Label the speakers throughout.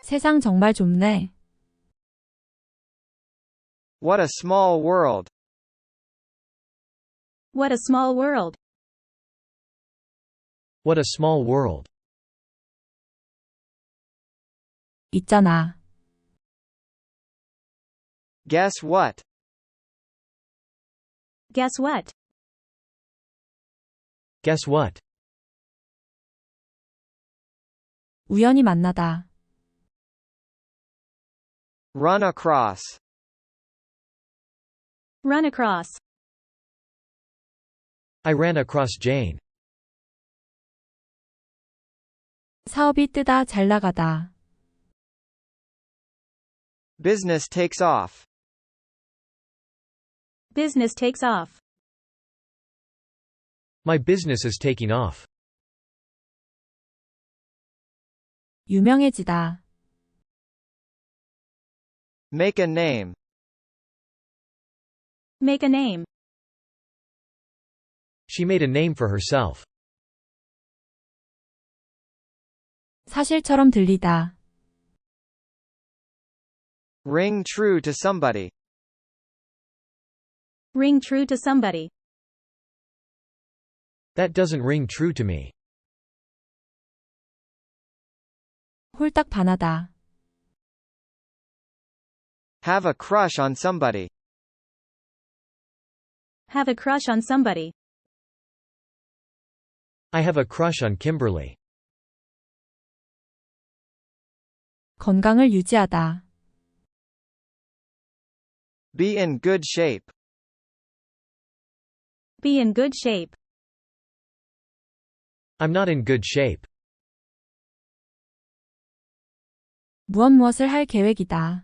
Speaker 1: 세상 정말 좁네.
Speaker 2: What a small world.
Speaker 3: What a small world.
Speaker 4: What a small world.
Speaker 1: 있잖아.
Speaker 2: Guess what?
Speaker 3: Guess what?
Speaker 4: Guess what?
Speaker 1: 우연히 만나다.
Speaker 2: Run across.
Speaker 3: Run across.
Speaker 4: I ran across Jane.
Speaker 1: 사업이 뜨다 잘 나가다.
Speaker 2: Business takes off.
Speaker 3: Business takes off.
Speaker 4: My business is taking off.
Speaker 1: 유명해지다.
Speaker 2: Make a name.
Speaker 3: Make a name.
Speaker 4: She made a name for herself.
Speaker 1: 사실처럼 들리다.
Speaker 2: Ring true to somebody.
Speaker 3: Ring true to somebody.
Speaker 4: That doesn't ring true to me.
Speaker 1: 홀딱 반하다.
Speaker 2: Have a crush on somebody.
Speaker 3: Have a crush on somebody.
Speaker 4: I have a crush on Kimberly.
Speaker 1: 건강을 유지하다.
Speaker 2: Be in good shape.
Speaker 3: Be in good shape.
Speaker 4: I'm not in good shape.
Speaker 1: 무엇을 할 계획이다.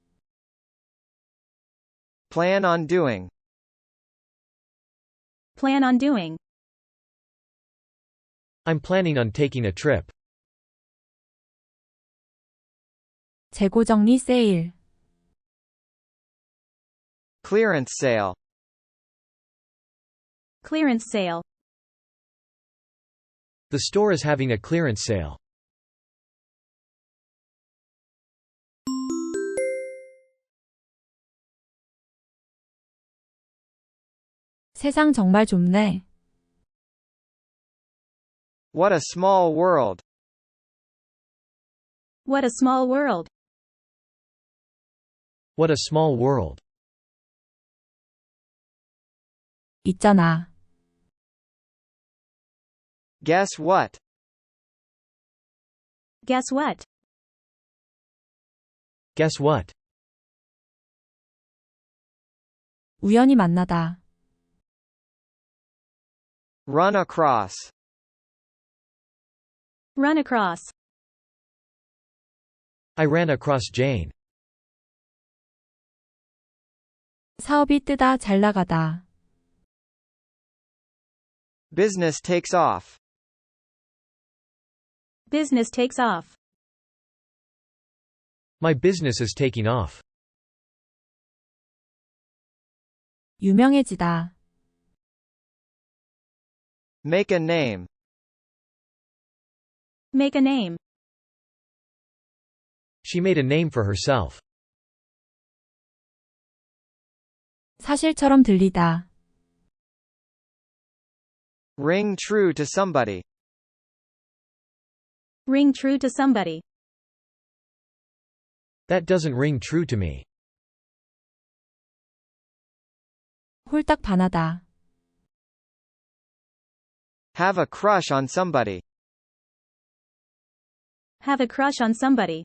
Speaker 2: Plan on doing.
Speaker 3: Plan on doing.
Speaker 4: I'm planning on taking a trip.
Speaker 1: 재고 정리 세일.
Speaker 2: Clearance sale.
Speaker 3: Clearance sale.
Speaker 4: The store is having a clearance sale.
Speaker 1: 세상 정말 좁네.
Speaker 2: What a small world.
Speaker 3: What a small world.
Speaker 4: What a small world.
Speaker 1: 있잖아.
Speaker 2: Guess what?
Speaker 3: Guess what?
Speaker 4: Guess what?
Speaker 1: 우연히 만나다.
Speaker 2: Run across.
Speaker 3: Run across.
Speaker 4: I ran across Jane.
Speaker 1: 사업이 뜨다 잘 나가다.
Speaker 2: Business takes off.
Speaker 3: Business takes off.
Speaker 4: My business is taking off.
Speaker 1: 유명해지다.
Speaker 2: Make a name.
Speaker 3: Make a name.
Speaker 4: She made a name for herself.
Speaker 1: 사실처럼 들리다.
Speaker 2: Ring true to somebody.
Speaker 3: Ring true to somebody.
Speaker 4: That doesn't ring true to me.
Speaker 1: 홀딱 반하다.
Speaker 2: Have a crush on somebody.
Speaker 3: Have a crush on somebody.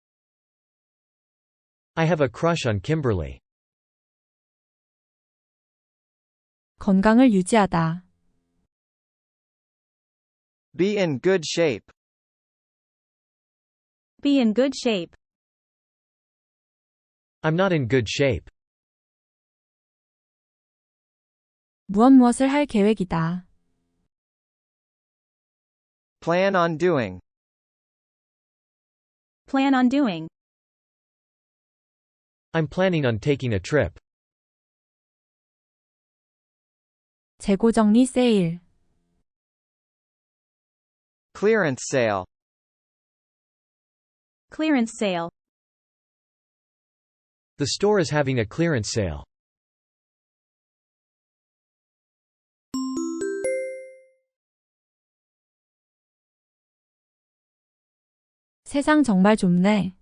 Speaker 4: I have a crush on Kimberly.
Speaker 1: 건강을 유지하다.
Speaker 2: Be in good shape.
Speaker 3: Be in good shape.
Speaker 4: I'm not in good shape.
Speaker 1: 무엇을 할 계획이다.
Speaker 2: Plan on doing.
Speaker 3: Plan on doing.
Speaker 4: I'm planning on taking a trip.
Speaker 1: 재고 정리 세일.
Speaker 2: Clearance sale.
Speaker 3: Clearance sale.
Speaker 4: The store is having a clearance sale.
Speaker 1: 세상 정말 좁네.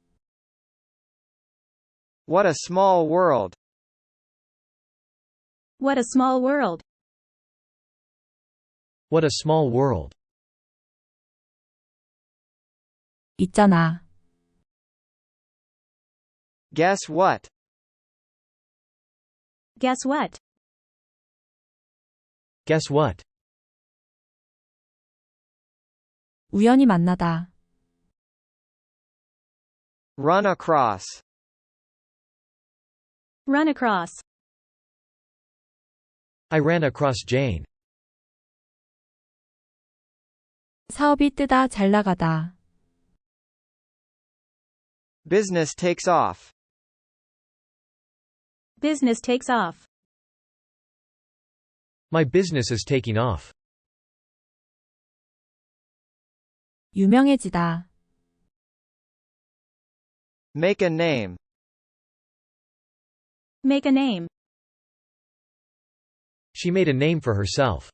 Speaker 2: What a small world.
Speaker 3: What a small world.
Speaker 4: What a small world.
Speaker 1: 있잖아.
Speaker 2: Guess what?
Speaker 3: Guess what?
Speaker 4: Guess what?
Speaker 1: 우연히 만나다.
Speaker 2: Run across.
Speaker 3: Run across.
Speaker 4: I ran across Jane.
Speaker 1: 사업이 뜨다 잘 나가다.
Speaker 2: Business takes off.
Speaker 3: Business takes off.
Speaker 4: My business is taking off.
Speaker 1: 유명해지다.
Speaker 2: Make a name.
Speaker 3: Make a name.
Speaker 4: She made a name for herself.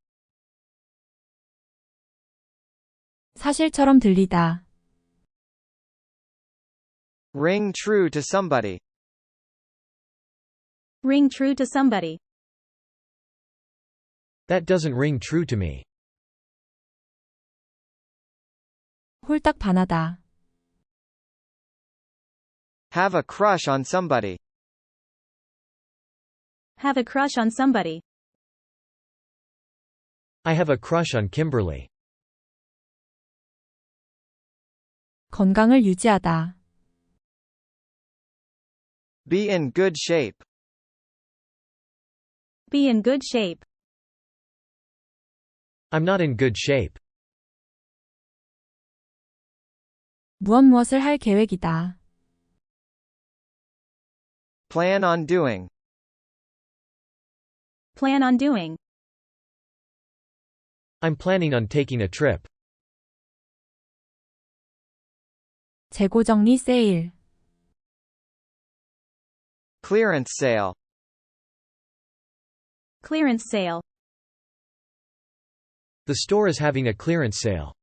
Speaker 1: 사실처럼 들리다.
Speaker 2: Ring true to somebody.
Speaker 3: Ring true to somebody.
Speaker 4: That doesn't ring true to me.
Speaker 1: 홀딱 반하다.
Speaker 2: Have a crush on somebody.
Speaker 3: Have a crush on somebody.
Speaker 4: I have a crush on Kimberly.
Speaker 1: 건강을 유지하다.
Speaker 2: Be in good shape.
Speaker 3: Be in good shape.
Speaker 4: I'm not in good shape.
Speaker 1: 무엇을 할 계획이다.
Speaker 2: Plan on doing.
Speaker 3: Plan on doing.
Speaker 4: I'm planning on taking a trip.
Speaker 1: 재고 정리 세일.
Speaker 2: Clearance sale.
Speaker 3: Clearance sale.
Speaker 4: The store is having a clearance sale.